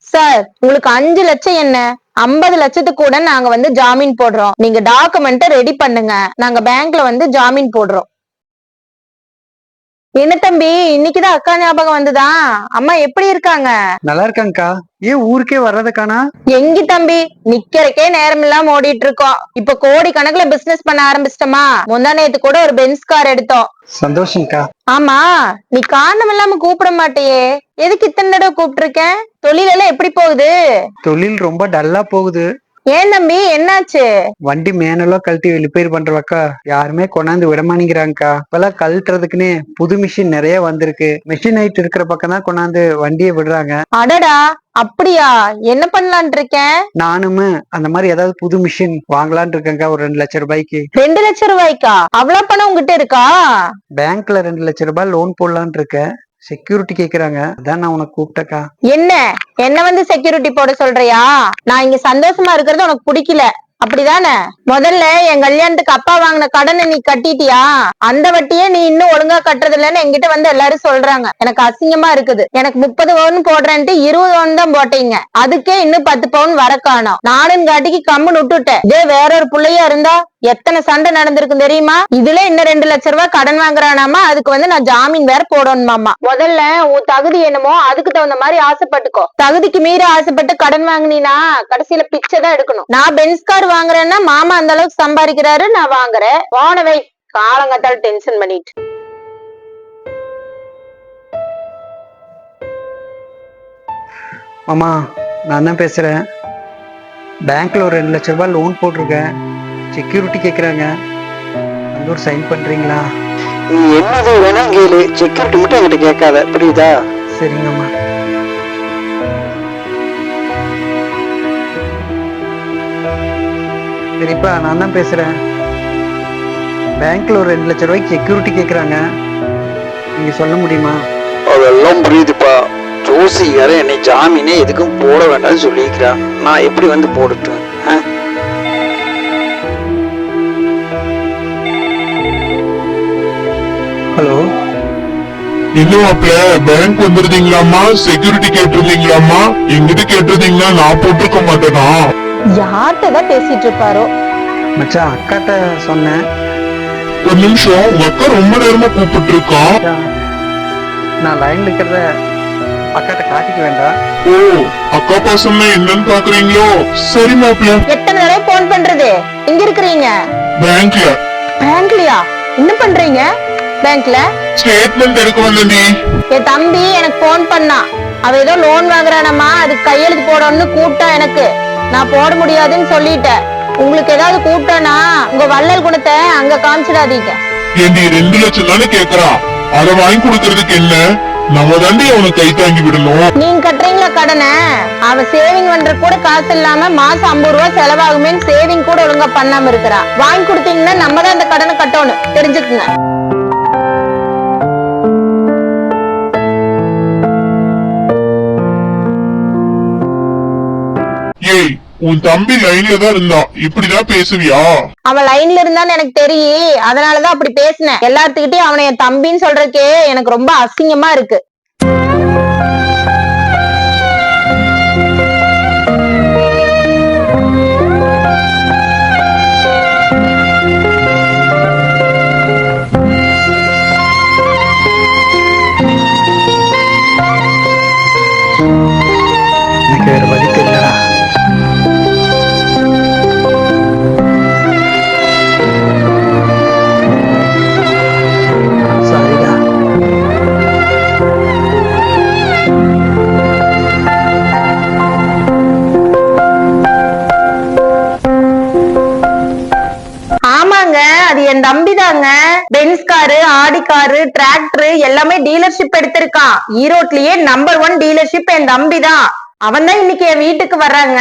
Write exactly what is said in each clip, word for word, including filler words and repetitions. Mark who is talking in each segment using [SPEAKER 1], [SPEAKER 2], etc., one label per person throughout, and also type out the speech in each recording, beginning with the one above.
[SPEAKER 1] Sir உங்களுக்கு அஞ்சு லட்சம் என்ன ஐம்பது லட்சத்துக்கு கூட நாங்க வந்து ஜாமீன் போடுறோம். நீங்க டாக்குமெண்ட் ரெடி பண்ணுங்க, நாங்க பேங்க்ல வந்து ஜாமீன் போடுறோம். என்ன தம்பி இன்னைக்குதான் அக்கா ஞாபகம் வந்துதா? அம்மா எப்படி இருக்காங்க?
[SPEAKER 2] நல்லா இருக்காங்கக்கா. ஏன் ஊருக்கே வர்றதுக்கானா?
[SPEAKER 1] எங்கி தம்பி நிக்கிறக்கே நேரம் இல்லாம ஓடிட்டு இருக்கோம். இப்ப கோடி கணக்குல பிசினஸ் பண்ண ஆரம்பிச்சிட்டோமா. முந்தா நேத்து கூட ஒரு பென்ஸ் கார் எடுத்தோம்.
[SPEAKER 2] சந்தோஷம்க்கா.
[SPEAKER 1] ஆமா, நீ காரணம் இல்லாம கூப்பிட மாட்டியே, எதுக்கு இத்தனை தடவை கூப்பிட்டு இருக்கேன்? தொழில் எல்லாம் எப்படி போகுது?
[SPEAKER 2] தொழில் ரொம்ப டல்லா போகுது.
[SPEAKER 1] ஏன் தம்பி என்னாச்சு?
[SPEAKER 2] வண்டி மேனலோ கழட்டி ரிப்பேர் பண்றவாக்கா யாருமே கொண்டாந்து விடமாட்டேங்கிறாங்கக்கா. இப்பெல்லாம் கழட்டுறதுக்குன்னே புது மிஷின் நிறைய வந்திருக்கு. மிஷின் ஹைட் இருக்கிற பக்கம் தான் கொண்டாந்து வண்டியை விடுறாங்க.
[SPEAKER 1] அடடா, அப்படியா? என்ன பண்ணலான் இருக்கேன்?
[SPEAKER 2] நானுமே அந்த மாதிரி ஏதாவது புது மிஷின் வாங்கலான் இருக்கேன்க்கா. ஒரு ரெண்டு லட்சம் ரூபாய்க்கு.
[SPEAKER 1] ரெண்டு லட்சம் ரூபாய்க்கா? அவ்வளவு பணம் உங்ககிட்ட இருக்கா?
[SPEAKER 2] பேங்க்ல ரெண்டு லட்சம் ரூபாய் லோன் போடலான் இருக்கேன். செக்யூரிட்டி கேக்குறாங்க, அதான் நான் உனக்கு கூப்பிட்டக்கா.
[SPEAKER 1] என்ன என்ன வந்து செக்யூரிட்டி போட சொல்றியா? நான் இங்க சந்தோஷமா இருக்கிறது உனக்கு பிடிக்கல அப்படிதானே? முதல்ல என் கல்யாணத்துக்கு அப்பா வாங்கின கடனை நீ கட்டிட்டியா? அந்த வட்டியே நீ இன்னும் ஒழுங்கா கட்டுறது இல்லன்னு என்கிட்ட வந்து எல்லாரும் சொல்றாங்க. எனக்கு அசிங்கமா இருக்குது. எனக்கு முப்பது பவுன் போடுறேன்ட்டு இருபது பவுன் தான் போட்டீங்க. அதுக்கே இன்னும் பத்து பவுன் வர காணோம். நானும் காட்டிக்கு கம்முன்னு விட்டுட்டேன். இதே வேற ஒரு பிள்ளையா இருந்தா எத்தனை சண்டை நடந்திருக்கும் தெரியுமா? இதுல இன்னும் ரெண்டு லட்சம் ரூபாய் கடன் வாங்குறானாமா, அதுக்கு வந்து நான் ஜாமீன் வேற போடணுமாமா. முதல்ல உன் தகுதி என்னமோ அதுக்கு தகுந்த மாதிரி ஆசைப்பட்டுக்கோ. தகுதிக்கு மீறி ஆசைப்பட்டு கடன் வாங்கினா கடைசியில பிச்சை தான் எடுக்கணும். நான் பென்ஸ் கார் வாங்குறேன்னா மாமா அந்த அளவுக்கு சம்பாதிக்கிறாரு, நான் வாங்குறேன். போனவை காலங்கத்தால் டென்ஷன் பண்ணிட்டு.
[SPEAKER 2] மாமா, நான் தான் பேசுறேன். பேங்க்ல ஒரு ரெண்டு லட்சம் ரூபாய் லோன் போட்டிருக்கேன். செக்யூரிட்டி கேக்குறாங்க, அந்த ஒரு சைன் பண்றீங்களா?
[SPEAKER 3] நீ என்னது வேணா கேளு, செக்யூரிட்டி மட்டும் என்கிட்ட கேட்காத, புரியுதா?
[SPEAKER 2] சரிங்கம்மா. சரிப்பா, நான் தான் பேசுறேன். பேங்க்ல ஒரு ரெண்டு லட்சம் ரூபாய்க்கு செக்யூரிட்டி கேக்குறாங்க, நீங்க சொல்ல முடியுமா?
[SPEAKER 3] அதெல்லாம் புரியுதுப்பா. ஜோசியார என்னை ஜாமீனே எதுக்கும் போட வேண்டாம்னு சொல்லிக்கிறான். நான் எப்படி வந்து போடட்டும்?
[SPEAKER 2] ஹலோ,
[SPEAKER 4] என்ன மாப்பிள்ள, பேங்க் வந்துருந்தீங்களாமா? செக்யூரிட்டி கேட்டிருந்தீங்களாமா? எங்கிட்ட கேட்டிருந்தீங்கன்னா நான் போட்டிருக்க மாட்டேனா?
[SPEAKER 1] யார்கிட்டதான் பேசிட்டு இருப்பாரோ.
[SPEAKER 2] மச்சான், அக்காட்ட சொன்னேன்.
[SPEAKER 4] ஒரு நிமிஷம், உங்க அக்கா ரொம்ப நேரமா கூப்பிட்டு இருக்கான்.
[SPEAKER 2] நான் லைன்ல இருக்கிறத அக்காட்ட காட்டிக்க வேண்டாம்.
[SPEAKER 4] ஓ, அக்கா பாசம்னா என்னன்னு பாக்குறீங்களோ? சரி மாப்பிள்ள.
[SPEAKER 1] எத்தனை தடவை போன் பண்றது? எங்க இருக்கிறீங்க?
[SPEAKER 4] பேங்க்ல.
[SPEAKER 1] பேங்க்லயா? என்ன பண்றீங்க பேங்க்ல?
[SPEAKER 4] ஸ்டேட்மெண்ட் எடுக்க வந்தேன்டி.
[SPEAKER 1] என் தம்பி எனக்கு போன் பண்ணா. அவ ஏதோ லோன் வாங்குறானம்மா, அதுக்கு கையெழுத்து போடணும்னு கூப்பிட்டா. எனக்கு நான் போட முடியாதுன்னு சொல்லிட்டேன். உங்களுக்கு ஏதாவது கூப்பிட்டானா உங்க வள்ளல் குணத்தை அங்க காமிச்சிடாதீங்க.
[SPEAKER 4] ஏண்டி ரெண்டு லட்சம் தானே கேக்குறான், அதை வாங்கி கொடுக்கறதுக்கு என்ன? நம்ம தாண்டி அவனை கை தாங்கி விடணும்.
[SPEAKER 1] நீங்க கட்டுறீங்களா கடனை? அவன் சேவிங் பண்ற கூட காசு இல்லாம மாசம் ஐம்பது ரூபாய் செலவாகுமே, சேவிங் கூட ஒழுங்கா பண்ணாம இருக்கிறா. வாங்கி கொடுத்தீங்கன்னா நம்ம தான் அந்த கடனை கட்டணும், தெரிஞ்சுக்குங்க.
[SPEAKER 4] ஏய், உன் தம்பி லைன்ல தான் இருந்தான், இப்படிதான் பேசுவியா?
[SPEAKER 1] அவன் லைன்ல இருந்தான்னு எனக்கு தெரியும், அதனாலதான் அப்படி பேசினேன். எல்லாத்துக்கிட்டையும் அவனை என் தம்பின்னு சொல்றதுக்கே எனக்கு ரொம்ப அசிங்கமா இருக்கு.
[SPEAKER 2] எனக்கு வேற வழி தெரியலடா. சாரிடா.
[SPEAKER 1] ஆமாங்க, அது என் தம்பி தாங்க. Benz car, Audi car, tractor எல்லாமே டீலர்ஷிப் எடுத்திருக்கான். ஈரோட்லயே நம்பர் ஒன் டீலர்ஷிப் என் தம்பி தான். அவன் தான் இன்னைக்கு என் வீட்டுக்கு வர்றாங்க.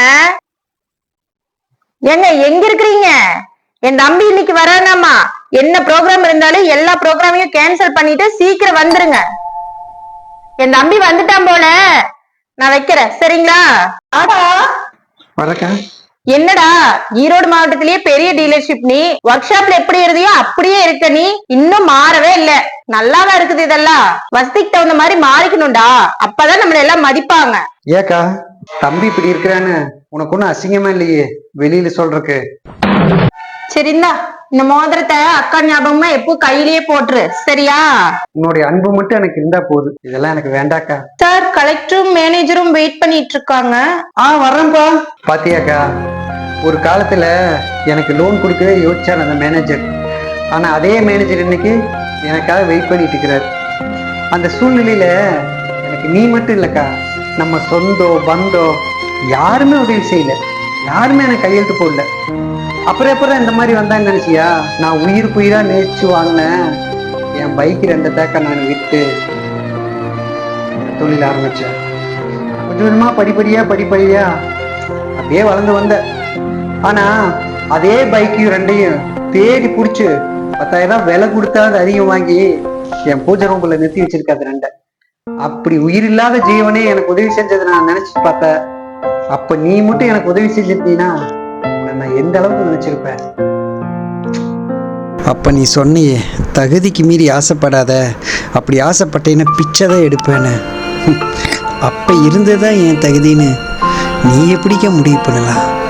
[SPEAKER 1] ஏங்க எங்க இருக்கிறீங்க? என் தம்பி இன்னைக்கு வரானாமா. என்ன ப்ரோக்ராம் இருந்தாலும் எல்லா ப்ரோக்ராமையும் கேன்சல் பண்ணிட்டு சீக்கிரம் வந்துருங்க. என் தம்பி வந்துட்டான் போல, நான் வைக்கிறேன், சரிங்களா? ஆடா
[SPEAKER 2] வரக்கா.
[SPEAKER 1] என்னடா ஈரோடு மாவட்டத்திலேயே பெரிய டீலர்ஷிப், நீ ஒர்க் ஷாப்ல எப்படி இருந்தியோ அப்படியே இருக்க. நீ இன்னும் மாறவே இல்ல. நல்லாதான் இருக்குது. இதெல்லாம் வசதிக்கு தகுந்த மாதிரி மாறிக்கணும்டா, அப்பதான் நம்மள எல்லாம் மதிப்பாங்க.
[SPEAKER 2] ஏக்கா, தம்பி இப்படி இருக்கிறான்னு உனக்கு ஒன்றும் அசிங்கமா இல்லையே வெளியில சொல்றக்கு.
[SPEAKER 1] சரி இந்தா இந்த மோதிரத்தை அக்கா ஞாபகமா எப்போ கையிலேயே போட்டுரு சரியா?
[SPEAKER 2] உன்னுடைய அன்பு மட்டும் எனக்கு இருந்தா போதும், இதெல்லாம் எனக்கு வேண்டாக்கா.
[SPEAKER 1] சார் கலெக்டரும் மேனேஜரும் வெயிட் பண்ணிட்டு இருக்காங்க.
[SPEAKER 2] ஆ வர்றேன்ப்பா. பாத்தியாக்கா, ஒரு காலத்துல எனக்கு லோன் கொடுக்கவே யோசிச்சார் அந்த மேனேஜர். ஆனா அதே மேனேஜர் இன்னைக்கு எனக்காக வெயிட் பண்ணிட்டு இருக்கிறார். அந்த சூழ்நிலையில எனக்கு நீ மட்டும் இல்லக்கா, நம்ம சொந்தம் பந்தம் யாருமே உதவி செய்யல, யாருமே எனக்கு கையெழுத்து போடல. அப்புறம் அப்புறம் இந்த மாதிரி வந்தான்னு நினைச்சியா? நான் உயிருக்கு உயிரா நேசிச்சு வாங்கினேன் என் பைக் ரெண்டு தேக்க நான் விட்டு தொழில் ஆரம்பிச்சேன். கொஞ்சம் கொஞ்சமா படிப்படியா படிப்படியா அப்படியே வளர்ந்து வந்த. ஆனா அதே பைக்கையும் ரெண்டையும் தேடி பிடிச்சு பத்தாயிரம் விலை கொடுத்தா அது அதிகம் வாங்கி என் பூஜை ரூம்ல நிறுத்தி வச்சிருக்காது ரெண்டை. அப்படி உயிர் இல்லாத ஜீவனே எனக்கு உதவி செஞ்சதை நான் நினைச்சு பார்த்தேன். அப்ப நீ மட்டும் எனக்கு உதவி செஞ்சிருந்தீங்கன்னா நான் எந்த அளவுக்கு நினைச்சிருப்பேன். அப்ப நீ சொன்னியே தகுதிக்கு மீறி ஆசைப்படாத, அப்படி ஆசைப்பட்டேன்னா பிச்சை தான் எடுப்பேன்னு. அப்ப இருந்ததான் என் தகுதின்னு நீ எப்படிக்க முடிவு பண்ணலாம்?